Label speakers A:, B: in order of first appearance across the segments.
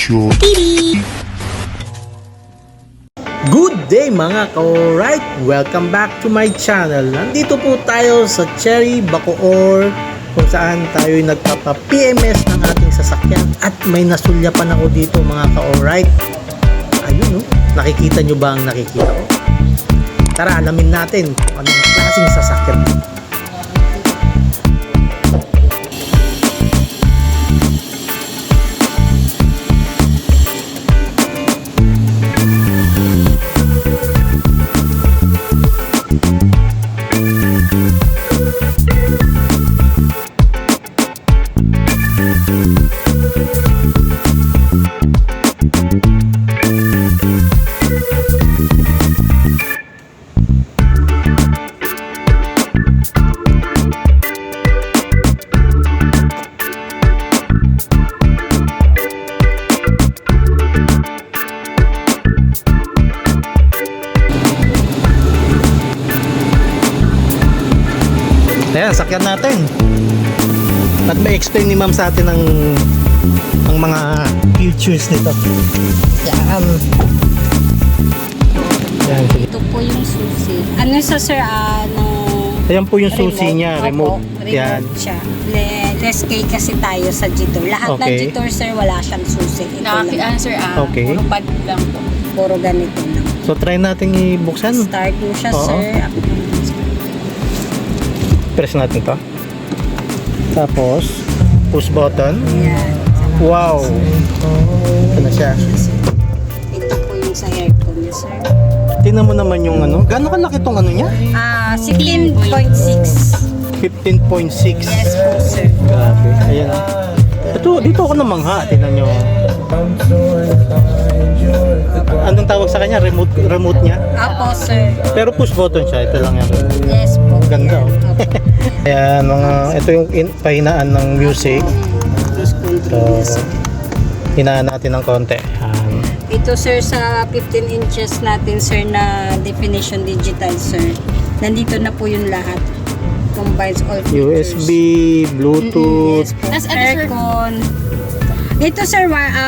A: Sure.
B: Good day mga ka-alright! Welcome back to my channel. Nandito po tayo sa Cherry Bacoor kung saan tayo nagpapa-PMS ng ating sasakyan at may nasulyapan ako dito mga ka-alright. Ayun nakikita nyo ba ang nakikita ko? Tara, alamin natin kung anong klaseng sasakyan. Ayan, sakyan natin. At may explain ni ma'am sa atin ang mga features nito. Yan. Yan, sige.
C: Ito po yung susi. Ano sa sir,
B: Ayan po yung susi niya, remote.
C: Yan. Siya. Less K kasi tayo sa Jitor. Lahat ng
B: Okay.
C: Jitor sir, wala siyang susi. Ito lang.
D: Sir,
B: Okay.
D: puro pad lang po.
C: Puro ganito lang.
B: So try natin ibuksan.
C: Start mo siya
B: Oo.
C: sir.
B: Press natin to. Tapos push button.
C: Ayan.
B: Wow. Ito na siya.
C: Ito po yung sa aircon niya sir.
B: Tingnan mo naman yung Gano'ng kalaki tong niya?
C: 16.6.
B: 15.6.
C: Yes po sir.
B: Grabe. Ayan. Dito ako namangha. Tingnan nyo. Anong tawag sa kanya? Remote niya?
C: Apo sir.
B: Pero push button siya. Ito lang yan.
C: Yes po.
B: Ganda, oh.
C: Opo.
B: Ayan, ito yung pahinaan ng music.
C: Cruise control
B: So,
C: niya, sir.
B: hinaan natin ng konti. Ayan.
C: Ito sir sa 15 inches natin sir na definition digital sir. Nandito na po yung lahat. Combines all features.
B: USB, Bluetooth,
C: Yes po.
D: Tas ano, sir?
C: Aircon. Ito sir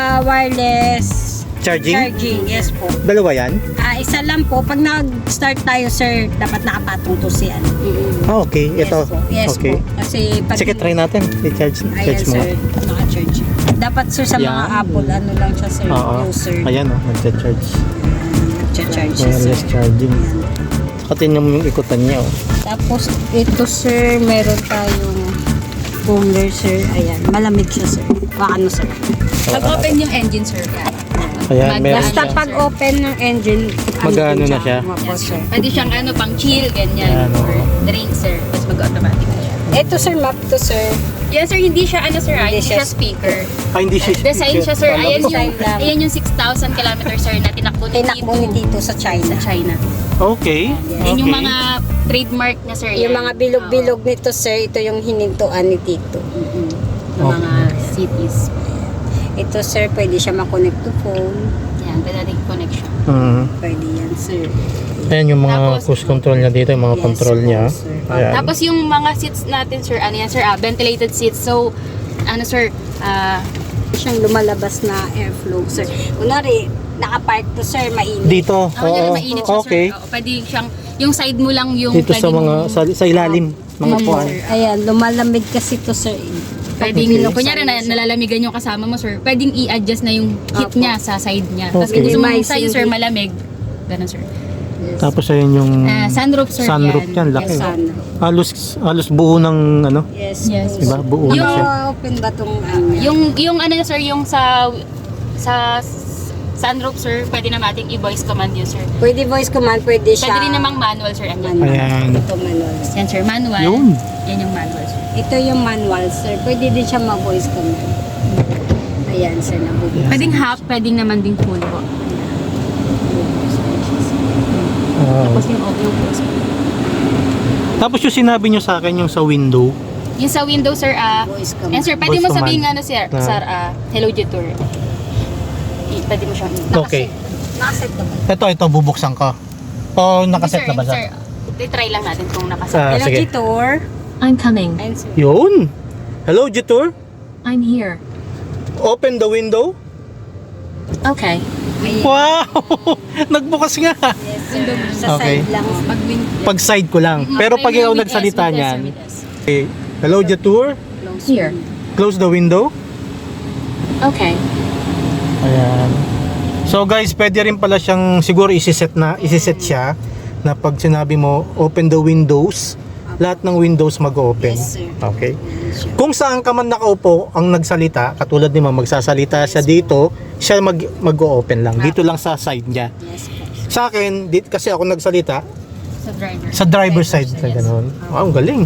C: wireless
B: charging.
C: Yes po.
B: Dalawa yan?
C: Isa lang po. Pag nag-start tayo sir, dapat nakapatong to si ano.
B: Ah, okay. Ito.
C: Yes po. Yes
B: Okay.
C: po. Kasi pag
B: Sige, try natin. I-charge
C: ayan
B: mo.
C: sir, naka-charge. Dapat sir sa mga
B: Yan.
C: Apple, ano lang siya sir,
B: Oo.
C: user.
B: Ayan, nagcha-charge.
C: Nag-charge siya sir.
B: Wireless charging. Saka tingnan mo yung ikutan niya. Oh.
C: Tapos ito sir, meron tayong cooler sir. Ayan, malamig siya sir. Paano sir?
D: Pag open yung engine, sir, yan.
B: Ayan, meron
C: Basta
B: siya.
C: pag open ng engine,
B: Magano na siya?
C: Opo, sir.
D: Pwede siyang pang chill, ganyan.
B: Yan,
D: Or
B: oo.
D: drink, sir. Tapos mag-automatic na siya.
C: Ito sir, map to sir.
D: Yes, sir, hindi siya, sir,
C: Hindi
D: hindi
C: siya
D: siya speaker.
B: Hindi siya.
D: Design siya, sir. Ayan
C: Design lang.
D: yung 6,000 kilometers, sir, na tinakbo ni
C: Tinakbo ni
D: Tito
C: Tito sa China.
D: sa China.
B: Okay.
D: Yan yung mga trademark niya, sir.
C: Yung
D: yan.
C: mga bilog-bilog nito sir, ito yung hinintuan ni Tito.
D: Yung mga cities.
C: Ito sir, pwede siya makonect to phone.
D: Yan, pwede natin connection.
C: Pwede yan sir.
B: Ayan yung mga
D: Tapos,
B: cruise control niya dito, yung mga
C: Yes,
B: control niya.
C: sir.
B: Ayan.
D: Tapos yung mga seats natin, sir, ano yan, sir, ventilated seats. So, sir,
C: Siyang lumalabas na airflow sir. Kunwari, nakapark to sir, mainit.
B: Dito.
D: yan, mainit siya,
B: Okay.
D: sir. Oo, pwede siyang, yung side mo lang yung
B: Dito sa
D: pwede
B: mga
D: mong-
B: sa ilalim mga puan.
C: Ayan, lumalamig kasi to sir.
D: Pwedeng,
B: Okay.
D: kunyari nalalamiggan yung kasama mo, sir, pwedeng i-adjust na yung heat
C: Opo.
D: niya sa side niya. Tapos
B: Okay.
D: kung gusto mo
C: Minimize
D: sa'yo,
C: yung
D: sir,
C: heat.
D: malamig. Ganun, sir.
B: Tapos ayan yung
D: Sunroof, sir,
B: sunroof
D: yan.
B: yan, laki.
C: Yes, sun.
B: Halos buo ng
C: Yes.
D: Yes.
C: po.
B: Diba? Buo na
D: Yung-
B: siya.
C: Open ba tong
D: Yung sir, yung sa sunroof, sir, pwede na nating i-voice command yun, sir.
C: Pwede voice command, pwede siya.
D: Pwede rin namang manual, sir. Andyan.
C: Manual.
B: Ayan.
C: Ito manual.
D: Yan, sir, manual.
B: Yun.
D: Yan yung manual, sir.
C: Ito yung manual, sir. Pwede din siya ma-voice command. Ayan, sir, nabubukas.
D: Pwedeng half, pwedeng naman ding full po. Tapos yung audio po, sir.
B: Tapos yung sinabi nyo sa akin yung sa window.
D: Yung sa window, sir,
C: Voice
D: and
C: command.
D: sir, pwede
B: Voice
D: mo sabihin
B: command.
D: sir,
B: Na-
D: sir, hello, Jitur. Pwede mo siyang
B: Okay.
C: Nakaset na ba?
B: Ito bubuksan ko. O nakaset na ba
D: Sir,
B: siya?
D: try lang natin kung nakaset.
B: Ah,
C: Hello,
B: sige.
C: Jitor.
E: I'm coming.
C: Ayan, sir.
B: Yun. Hello, Jitur.
E: I'm here.
B: Open the window.
D: Okay.
C: Ayan.
B: Wow! Nagbukas nga.
C: Yes, sir. Sa
B: Okay.
C: side lang.
D: Mag-win.
B: Pag side ko lang. Pero pag ikaw nagsalita niyan, okay. Hello, Jatour.
D: Here.
B: Close the window.
D: Okay.
B: Ayan. So guys, pwede rin pala siyang siguro isiset siya na pag sinabi mo open the windows, lahat ng windows mag-open.
C: Yes, sir.
B: Okay.
C: Ayan siya.
B: Kung saan ka man nakaupo ang nagsalita, katulad ni Ma'am, magsasalita siya dito, siya mag-open lang. Dito lang sa side niya.
C: Yes po.
B: Sa akin, kasi ako nagsalita
D: Sa driver.
B: sa driver side na gano'n. Wow, ang galing.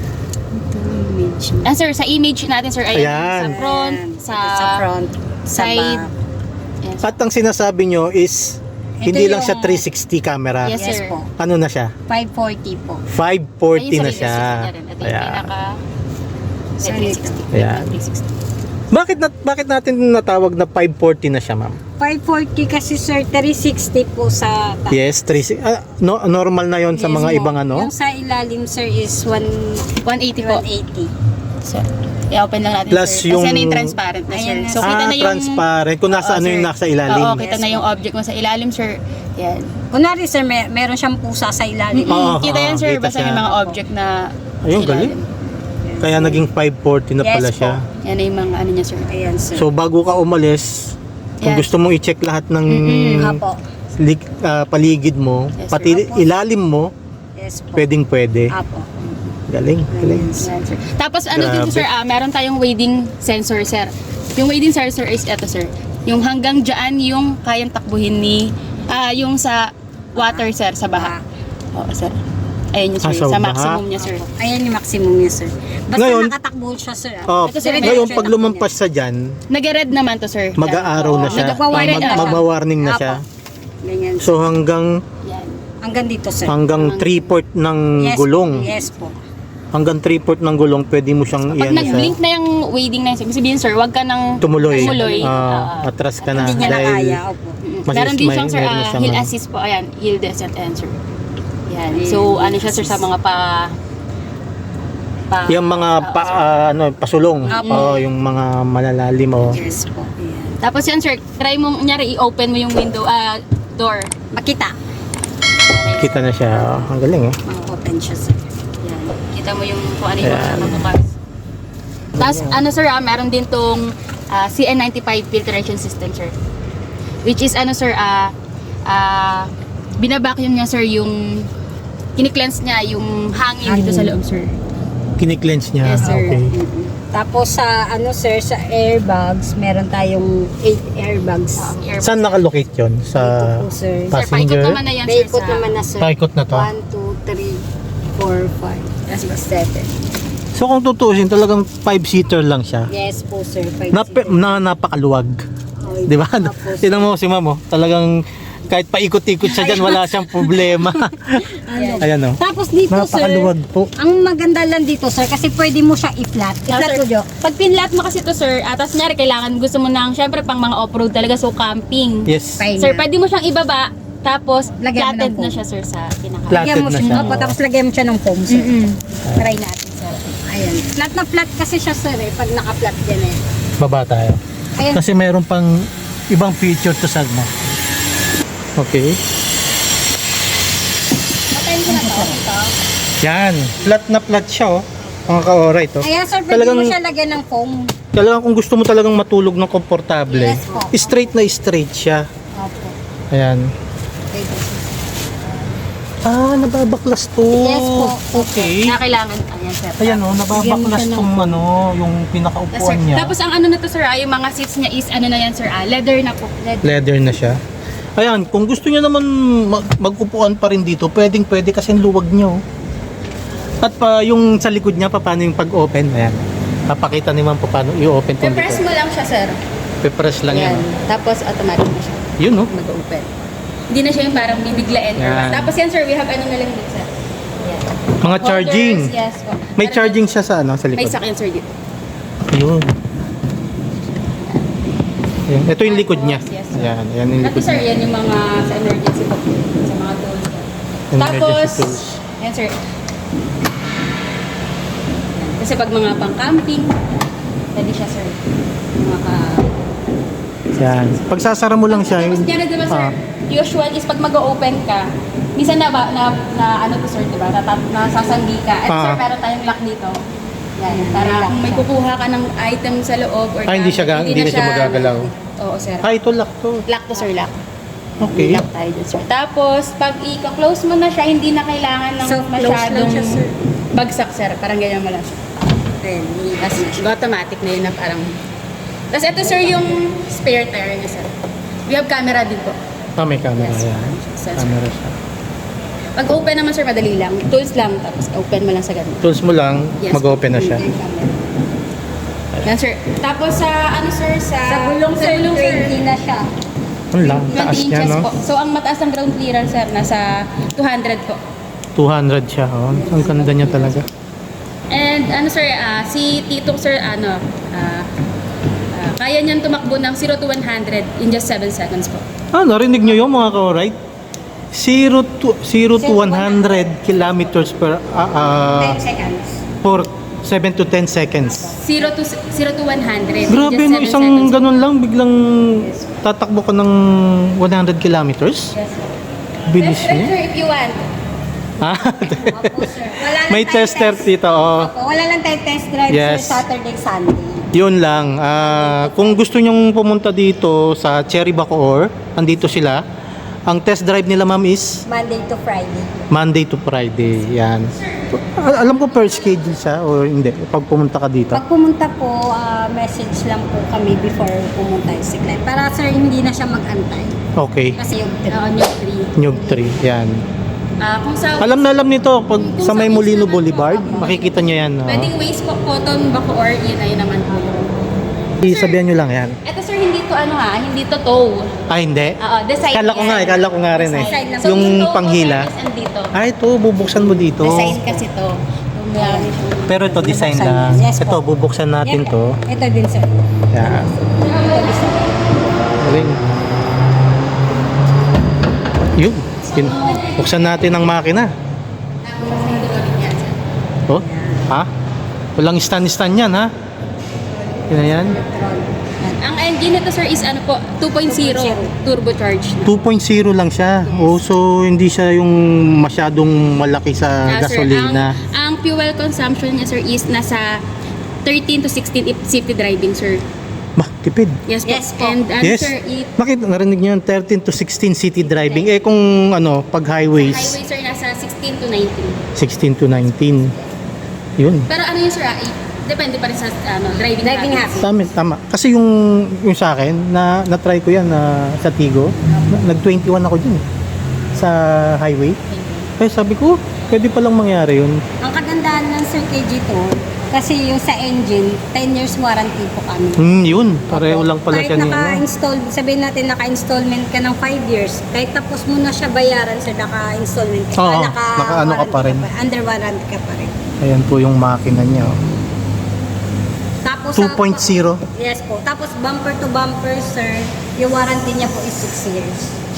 D: And sir, sa image natin sir, ay
B: Ayan.
D: sa front,
C: Ayan.
D: sa
C: Sa front, sa
D: side.
C: back.
D: Yes.
B: At ang sinasabi nyo is,
C: Ito
B: hindi lang
C: yung-
B: siya 360 camera.
D: Yes,
C: Yes
D: sir.
C: po.
B: Ano na siya?
C: 540 po.
B: 540
D: Ayun,
B: na
D: sa
B: siya.
D: leadership niya rin. Ito yung
B: Ayan.
D: pinaka
C: Sa
D: 360.
B: Ayan.
D: 360.
B: Bakit natin natawag na 540 na siya, Ma'am?
C: 540 kasi sir, 360 po sa taas.
B: Yes, 360. Normal na 'yon sa
C: Yes
B: mga
C: po.
B: ibang ano.
C: Yung sa ilalim sir is
D: 180 po.
C: 180.
D: Sir, i-open lang natin
B: Plus
D: sir.
B: yung-
D: Kasi yan yung transparent na sir.
C: Ayan na,
D: So kita na yung
B: transparent. Kung nasa
D: Oo,
B: ano yung
D: sir.
B: nasa ilalim.
D: Oo, kita
C: Yes
D: na
C: po.
D: yung object mo sa ilalim sir. Yan.
C: Kunwari sir, meron siyang pusa sa ilalim.
B: Oo,
D: Kita yan sir,
B: kita
D: basta
B: siya.
D: yung mga object na
B: Ayun,
D: sa
B: galing.
D: ilalim.
B: Kaya naging 540 na
C: Yes
B: pala
C: po.
B: siya.
D: Yan na yung mga ano niya sir.
C: Ayan sir.
B: So bago ka umalis, kung
D: Yes.
B: gusto mong i-check lahat ng
C: Apo.
B: paligid mo,
D: Yes, sir.
B: pati ilalim mo,
C: Yes po.
B: pwede.
C: Apo.
B: Galing, galing.
D: Yan, sir. Tapos ano
B: Grabe.
D: dito sir, meron tayong wading sensor sir. Yung wading sensor is eto sir. Yung hanggang dyan yung kayang takbuhin ni yung sa water sir, sa baha. Oo sir. Ayun yung sir,
B: Sa
D: sa
B: baha.
D: maximum niya sir.
C: Ayan yung maximum niya sir. Basta
B: Ngayon-
C: nakatakbo siya sir.
B: Oh,
D: Ito, sir,
B: ngayon
C: diretso
B: pag
C: yung
B: lumampas sa dyan,
D: Nag-red naman to sir.
B: mag-aaraw na
C: Oo,
B: siya.
C: nagwa-warning na siya.
B: Magwa-warning na
C: Apo.
B: siya.
C: Ganyan.
B: So hanggang
D: Yan.
C: Hanggang dito sir.
B: 3/4 ng
C: Yes,
B: gulong.
C: Yes po.
B: Hanggang 3/4 ng gulong, pwede mo siyang
D: Pag
B: iyan
D: nag-blink na yung wading na yun, ibig sabihin sir, wag ka nang
B: tumuloy.
D: Ah.
B: Atras ka na.
C: Hindi niya na
B: Dahil
C: kaya. Opo.
D: Meron din siyang sir,
B: meron na siyang
D: hill
B: ano.
D: assist po. Ayan, hill descent and sir. Yan.
C: Hill
D: So, ano siya sir sa mga
B: Yung mga pasulong.
C: Apo.
B: Oh, yung mga malalalim oh.
C: Yes po. Ayan.
D: Tapos yan sir, try mo, nyari, i-open mo yung window, door.
C: Makita.
B: Kita na siya. Oh, ang galing eh.
C: Mga-open siya sir.
D: Yan. Kita mo yung kung ano yung
B: Ayan.
D: nakabukas. Tapos ano sir, meron din tong CN95 filtration system sir. Which is ano sir, binabacuum niya sir yung kini-cleanse niya yung hangin dito sa loob sir.
B: Kini-cleanse niya.
D: Yes, sir.
B: Okay.
C: Tapos sa sir, sa airbags, meron tayong 8 airbags.
B: Saan nakalocate yun? Sa
C: Ito po sir.
D: Sir, paikot
B: passenger?
D: naman na yan sir
C: Paikot
D: sa...
C: naman na sir.
B: Paikot na to?
C: 1, 2, 3, 4, 5, 6, 7.
B: So kung tutuusin, talagang 5-seater lang siya.
C: Yes po sir. 5
B: Napakaluwag. Di ba? Tinan mo si Ma'am, oh. Talagang kahit paikot-ikot siya dyan, wala siyang problema. Ayan oh.
C: Tapos dito sir,
B: Napakaluwag po.
C: ang maganda lang dito sir, kasi pwede mo siya i-flat. I-flat
D: sir.
C: ko Jo.
D: Pag pinlat mo kasi to sir, tapos nyari kailangan gusto mo nang syempre pang mga off-road talaga, so camping.
B: Yes.
C: Fine.
D: Sir, pwede mo siyang ibaba, tapos
C: Lagyan mo ng
D: flatted
C: foam.
D: na siya sir sa pinaka.
B: Flat.
C: Lagyan mo
B: na
C: siya.
B: siya.
C: Opo, tapos lagyan mo siya ng foam sir.
D: Mm-mm.
C: Try natin sir. Ayan. Flat na flat kasi siya sir eh, pag naka-flat din eh.
B: Baba tayo.
C: Ayan.
B: Kasi mayroon pang ibang feature to sa mo. Okay.
C: Patayin ko na to. Ito.
B: Yan. Flat na flat siya oh. Mga ka-alright oh.
C: Ayan sir, pwede
B: Talagang-
C: mo siya lagyan ng foam.
B: Talagang kung gusto mo talagang matulog ng komportable,
C: Yes po.
B: straight na straight siya.
C: Opo.
B: Ayan.
C: Pwede.
B: Nababaklas to.
C: Yes po.
B: Okay.
D: Na kailangan, ayan sir.
B: Ayan oh, nababaklas
C: Bigyan mo siya ng
B: tong ano, yung
D: Yes, sir.
B: pinakaupuan niya.
D: Tapos ang ano na to sir, yung mga seats niya is ano na yan sir, leather na po.
B: Leather na siya. Ayan, kung gusto niyo naman mag-upuan pa rin dito, pwedeng-pwede kasi ang luwag niyo. At pa yung sa likod niya, paano yung pag-open? Ayan. Papakita ni Ma'am paano i-open tong
D: Press
B: likod.
D: mo lang siya sir.
B: Pe-press lang yan.
D: Tapos automatic na siya
B: Yun oh.
D: mag-open. Hindi na siya yung parang bibiglain or
B: Yan.
D: what. Tapos yan sir, we have ano na lang dito sir. Yan.
B: Mga charging.
D: Holders, yes po.
B: May
D: Meron
B: charging siya sa ano, sa
D: din- May
B: likod.
D: sakyan sir dito.
B: Yun. Ayan. Ito yung likod niya.
D: Yes, sir.
B: Ayan, ayan yung
D: Tapos
B: likod
D: sir,
B: niya.
D: yan yung mga sa emergency po. Sa mga tools.
B: Emergency
D: Tapos,
B: tools.
D: yan sir. Kasi pag mga pang-camping, pwede siya sir. Mga sa
B: Yan. Pagsasara mo lang siya.
D: Tapos diyan diba sir, usual is pag mag-open ka, minsan na ano to sir, diba? Nasasanggi ka. At sir, meron tayong lock dito. Yan, para kung may kukuha ka ng item sa loob or
B: hindi na siya magagalaw.
D: Oo sir.
B: Ito lock to.
D: Lock to sir, lock.
B: Okay.
D: Lock tayo dun sir. Tapos, pag i-close mo na siya, hindi na kailangan ng
C: So, close lang
D: masyadong
C: siya, sir.
D: bagsak sir. Parang ganyan mo lang siya.
C: Then,
D: Tapos, automatic na yun na parang... Tapos, ito sir yung spare tire niya sir. We have camera din po.
B: May camera.
D: Yes.
B: Yan.
D: Sensor.
B: Camera siya.
D: Pag open naman sir, madali lang. Tools lang, tapos open mo lang sa ganun.
B: Tools mo lang,
D: Yes.
B: mag-open na siya.
D: Yung camera. Yan sir. Tapos sa ano sir,
C: sa gulong, sir, 20 na siya.
B: Ang lang,
D: 20
B: taas niya,
D: inches
B: no?
D: po. So, ang mataas ng ground clearance sir, nasa 200 po.
B: 200 siya, oh. Ang ganda niya talaga.
D: And ano sir, si Tito sir, kaya niyan tumakbo ng 0 to 100 in just 7 seconds po.
B: Narinig niyo yun mga ka-right? 0 to 100 kilometers per
C: 10 seconds.
B: for 7 to 10 seconds.
D: 0 to 100.
B: Grabe,
D: in
B: no,
D: just 7
B: isang
D: seconds.
B: ganun lang, biglang tatakbo ka ng 100 kilometers?
D: Yes, sir.
B: Bilis
D: Test drive,
B: niya.
D: sir, if you want.
C: Opo, sir. Wala lang
B: May
C: tayong
B: tester
C: test-
B: dito, oh.
C: Opo, wala lang tayong test drive,
B: Yes.
C: sir, Saturday, Sunday.
B: Yun lang. Kung gusto nyong pumunta dito sa Cherry Bacoor, andito sila. Ang test drive nila, ma'am, is
C: Monday to Friday.
B: Monday to Friday. Yan. Alam ko per schedule siya o hindi pag pumunta ka dito.
C: Pag pumunta po, message lang po kami before pumunta yung siklet. Para sir, hindi na siya mag-antay.
B: Okay.
C: Kasi yung
D: New 3.
B: Nyug 3. Yan.
D: Kung sa
B: Alam na alam nito pag
D: Kung
B: sa
D: sa
B: may Molino
D: East naman
B: Boulevard,
D: po,
B: makikita nyo yan.
D: pwedeng waste po, cotton, Bacoor, yun na yun naman po.
B: Sabihan nyo lang yan.
D: Ito sir, hindi to hindi to toe.
B: Hindi.
D: Oo, the side
B: Kala ko
D: yan.
B: kala ko nga rin eh.
C: Side lang.
D: So,
B: Yung
D: toe po,
B: panghila.
D: sir, is andito.
B: Ito, bubuksan mo dito.
D: The side kasi to. Marami siyang-
B: Pero ito, design
C: Bubuksan
B: lang.
C: yan. Yes po.
B: Ito, bubuksan natin to.
C: Ito din, sir.
B: Yan.
C: Ito din, sir.
B: Galing. Yun. Buksan natin ang makina. Oh, ha? Walang stand-stand yan, ha? Yun na yan.
D: Ang engine nito sir is ano po, 2.0 turbocharged.
B: 2.0 lang siya. Oh, so hindi siya yung masyadong malaki sa
D: Sir,
B: gasolina.
D: ang fuel consumption niya sir is nasa 13 to 16 if safety driving sir.
B: Bah, tipid.
D: Yes po.
C: Yes po.
D: And
B: Yes.
D: sir,
B: Nakita, narinig niyo yung 13 to 16 city driving. Eh kung ano, pag highways,
D: highway sir nasa 16 to 19.
B: 16 to 19. Yun.
D: Pero ano yun sir, depende pa rin sa driving habits.
B: Tama. Kasi yung sa akin, na-try ko yan sa Tigo. Nag-21 ako dun sa highway. Kaya sabi ko, pwede palang mangyari yun.
C: Ang kagandahan ng Sir KG to, kasi yung sa engine, 10 years warranty po kami.
B: Yun. Pareho lang pala siya
C: Kahit
B: niya.
C: naka-install, sabihin natin naka-installment ka ng 5 years, kahit tapos mo na siya bayaran sa naka-installment ka,
B: Oo, naka-ano ka pa rin.
C: Under warranty ka pa rin.
B: Ayan po yung makina niya. Oh.
C: Tapos
B: 2.0.
C: Yes po. Tapos bumper to bumper, sir, yung warranty niya po is 6 years.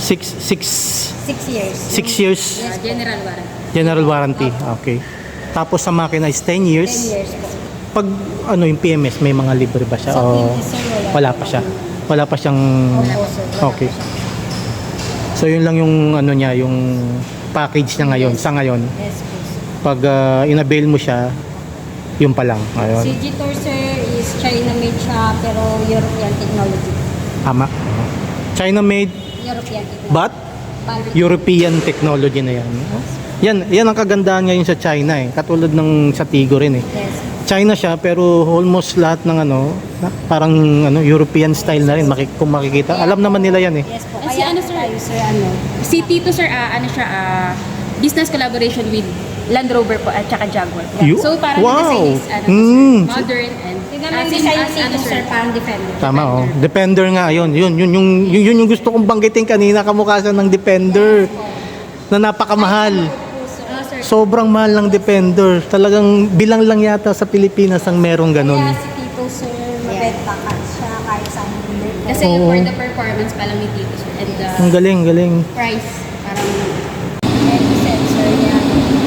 B: 6
C: years.
B: 6 years
D: General warranty.
B: general warranty. Okay. Tapos sa makina is 10 years.
C: 10 years po.
B: Pag ano yung PMS, may mga libre ba siya?
C: Sa
B: O
C: PMS, sir,
B: wala pa siya. Wala pa siyang
C: Opo, sir. Wala
B: Okay.
C: pa siya.
B: So yun lang yung ano niya, yung package niya ngayon, sa ngayon.
C: Yes po, sir.
B: Pag inavail mo siya, yun pa lang. Ayun.
C: Si G-Tour, sir, is China-made siya, pero European technology.
B: Tama. China made
C: European technology.
B: but European technology na yan. Yan ang kagandahan ngayon sa China eh. Katulad ng sa Tigo rin eh.
C: Yes.
B: China siya pero almost lahat ng ano, parang ano European style na rin kung makikita. Alam naman nila yan eh.
C: Yes po.
D: Si
C: Kaya
D: ano, sir?
C: tayo, sir, ano?
D: Si Tito sir, business collaboration with Land Rover po at saka Jaguar.
B: You?
D: So parang
B: Wow.
D: design is modern and
C: Tingnan mo yung
D: same
C: design
D: as
C: dito, sir, parang Defender.
B: Tama oh. Defender nga yun. Yun yung gusto kong banggitin kanina, kamukha siya ng Defender na napakamahal.
D: sir.
B: Sobrang mahal ng Defender. Talagang bilang lang yata sa Pilipinas ang merong ganun.
C: Kaya si Tito, sir, mabenta ka siya kahit saan hindi.
D: Kasi
B: Oo.
D: for the performance pa lang ni Tito sir and the
B: Ang galing.
D: price parang
C: Head sensor niya.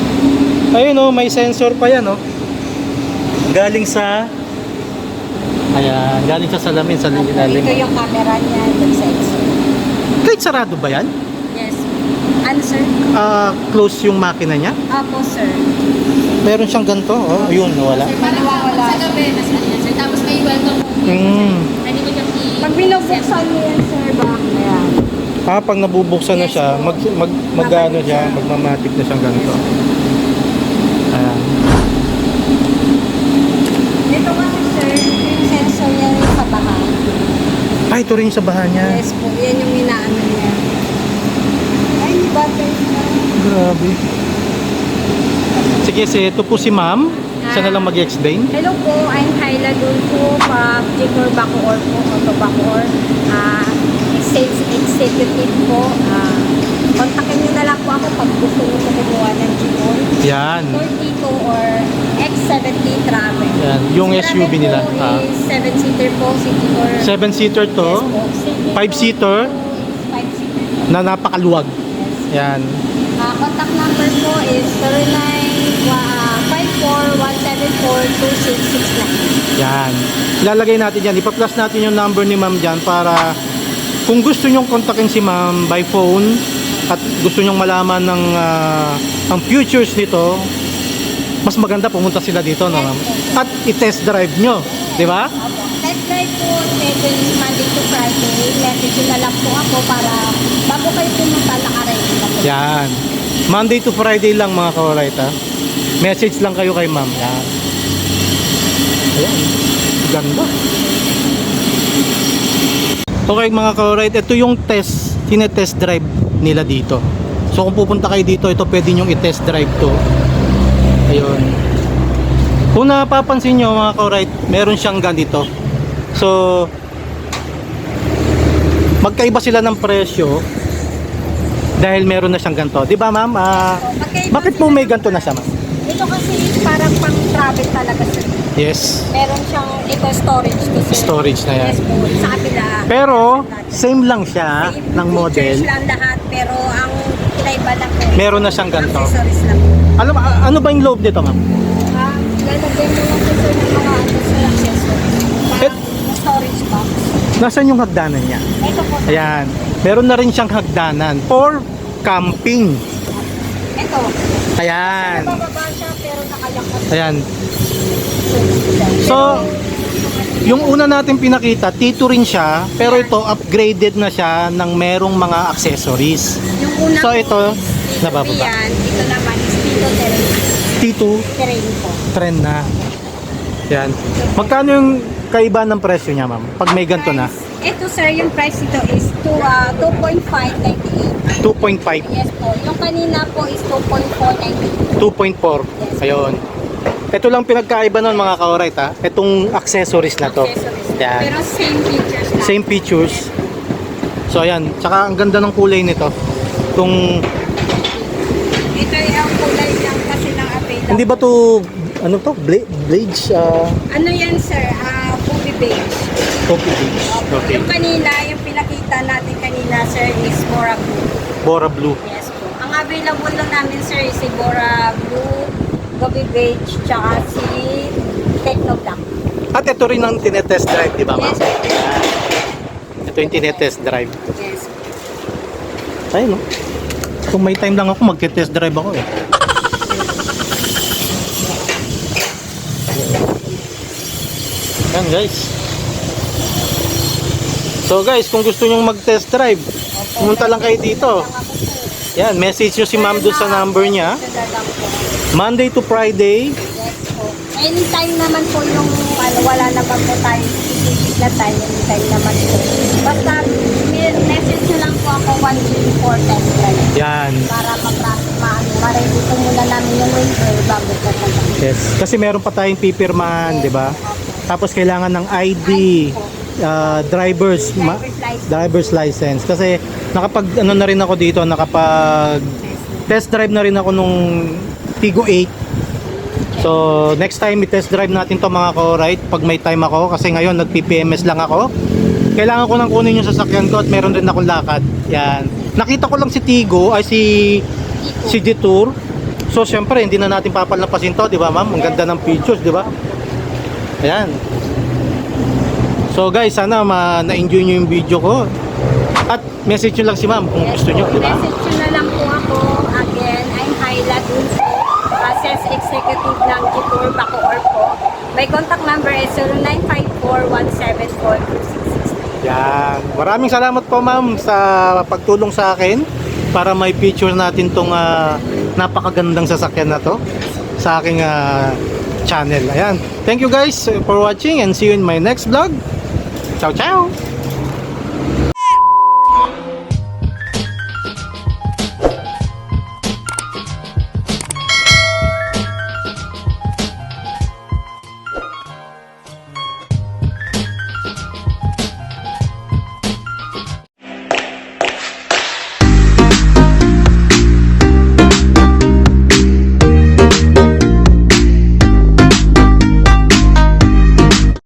B: Ayun oh, may sensor pa yan oh. Galing sa Ayan, galing sa salamin sa
C: Ito
B: ilalim.
C: yung camera niya, yung sensor.
B: Kahit sarado ba yan?
C: Yes. Ano, sir?
B: Close yung makina niya?
C: Apo, sir.
B: Meron siyang ganito. Oh, yun, wala.
D: Sir, parang
C: Wala.
D: sa gabi, nasa yan, sir. Tapos may welcome
B: Mm.
D: Pwede mo siyang
C: Pag binubuksan mo yan, sir, back na yan.
B: Pag nabubuksan na
C: Yes,
B: siya,
C: po.
B: mag-ano siya, magmamatic na siyang ganito. Ayan.
C: Ito kasi, sir, yung sensor niya yung sa baha.
B: Ito rin yung sa baha niya.
C: Yes po, yan yung inaano niya. Ay, may battery na.
B: Grabe. Sige, ito po si ma'am. Siya na lang mag-explain.
C: Hello po, I'm Hyla Dulfo, Jigor Bacoor po, Auto Bacoor. Sales executive po. Kontakin niyo na lang po ako pag gusto niyo po kumuha ng Jigor.
B: Yan.
C: 42 or X70 Travel.
B: Yan, yung
C: Si
B: SUV
C: Travel
B: nila.
C: po is 7-seater po, City or
B: 7-seater to.
C: Yes po. City
B: 5-seater.
C: 5-seater.
B: Na napakaluwag.
C: Yes.
B: Yan.
C: Contact number po is 0954-174-2669.
B: Yan. Ilalagay natin yan. Ipa-plus natin yung number ni ma'am dyan para kung gusto nyong kontakin si ma'am by phone at gusto nyong malaman ng ang futures nito, mas maganda pumunta sila dito, no, ma'am? At i-test drive nyo. Di ba?
C: Opo. Test drive po, schedule Monday to Friday. Message na lang po ako para bago kayo pumunta, nakaready na po.
B: Yan. Monday to Friday lang mga ka-alright, ha? Message lang kayo kay ma'am. Yan. Ayan. Ganda. Okay mga ka-alright, ito yung tinetest drive nila dito. So kung pupunta kayo dito, ito pwede nyong i-test drive to. Ayun. Kung napapansin nyo mga ka-alright, meron siyang ganito. So magkaiba sila ng presyo dahil meron na siyang ganito. Di ba ma'am? Bakit po may ganito na siya ma'am?
C: Ito kasi is parang pang travel talaga sir.
B: Yes.
C: Meron siyang, ito storage to sir.
B: Storage na yan.
C: Yes po, sa kabila.
B: Pero same lang siya
C: Same
B: ng model.
C: features lang lahat, pero ang kinaiba lang po.
B: Meron na siyang ganito.
C: Accessories lang po.
B: Ano ba yung loob nito ma'am?
C: Lalagyan mo lang po sir ng mga accessories. Parang storage box.
B: Nasaan yung hagdanan niya?
C: Ito po sir.
B: Ayan. Meron na rin siyang hagdanan for camping.
C: Ito.
B: Ayan.
C: Bababa siya pero nakayakas.
B: Ayan. So, yung una natin pinakita, T2 rin siya, pero ito upgraded na siya ng merong mga accessories.
C: Yung una
B: So,
C: po
B: ito,
C: is Tito
B: nabababa.
C: Yan. Ito naman is Tito Terrain.
B: T2
C: Terrain po.
B: trend na. Ayan. Magkano yung kaiba ng presyo niya, ma'am? Pag may ganito na?
C: Ito sir, yung price nito is 2.598.
B: 2.5.
C: Yes po. Yung kanina po is 2.498.
B: 2.4. Ayun. Ito lang pinagkaiba nun mga ka-alright, ha? Itong accessories na to.
C: Accessories.
B: Yan.
C: Pero same features lang.
B: Same features. So ayan, tsaka ang ganda ng kulay nito. Itong,
C: Ito yung kulay lang kasi ng available.
B: hindi ba to ano to? Blades?
C: Ano yan sir? Booby beige.
B: Coffee beige. Okay.
C: Yung kanina, yung pinakita natin kanina sir is Bora Blue.
B: Bora Blue.
C: Yes po. Ang available lang namin sir is si Bora Blue, Booby beige, tsaka si Techno Black.
B: At ito rin ang tinetest drive, di ba ma'am?
C: Yes, sir.
B: Ayan. Ito yung tinetest drive.
C: Yes.
B: Ayun, no? Kung may time lang ako, magte-test drive ako eh. Yan guys. So guys, kung gusto nyong mag-test drive, pumunta lang kayo dito. Yan, message nyo si ma'am doon sa number niya. Monday to Friday.
C: Yes po. Anytime naman po yung wala naman po tayo specific na time. Anytime naman po. Basta message nyo lang po ako 1 day before test drive.
B: Yan.
C: Para ma-ready po muna namin yung waiver bago po talaga.
B: Yes. Kasi meron pa tayong pipirman, di ba? Tapos kailangan ng ID, driver's license. Kasi nakapag ano na rin ako dito, nakapag test drive na rin ako nung Tigo 8. So next time i-test drive natin to mga ko-right pag may time ako, kasi ngayon nag-PPMS lang ako. Kailangan ko nang kunin yung sasakyan ko at meron rin akong lakad. Yan. Nakita ko lang si Tigo ay si Detour. So syempre hindi na natin papalampasin to, di ba ma'am? Ang ganda ng features, di ba? Ayan. So guys, sana na-enjoy nyo yung video ko. At message nyo lang si ma'am kung gusto nyo, di ba?
C: Message nyo na lang po ako. Again, I'm Hyla Dulce, Sales Executive ng Jetour Bacoor po. My contact number is 0954-174-2669.
B: Yan. Maraming salamat po ma'am sa pagtulong sa akin para may picture natin tong napakagandang sasakyan na to sa aking channel. Ayan. Thank you guys for watching and see you in my next vlog. Ciao, ciao!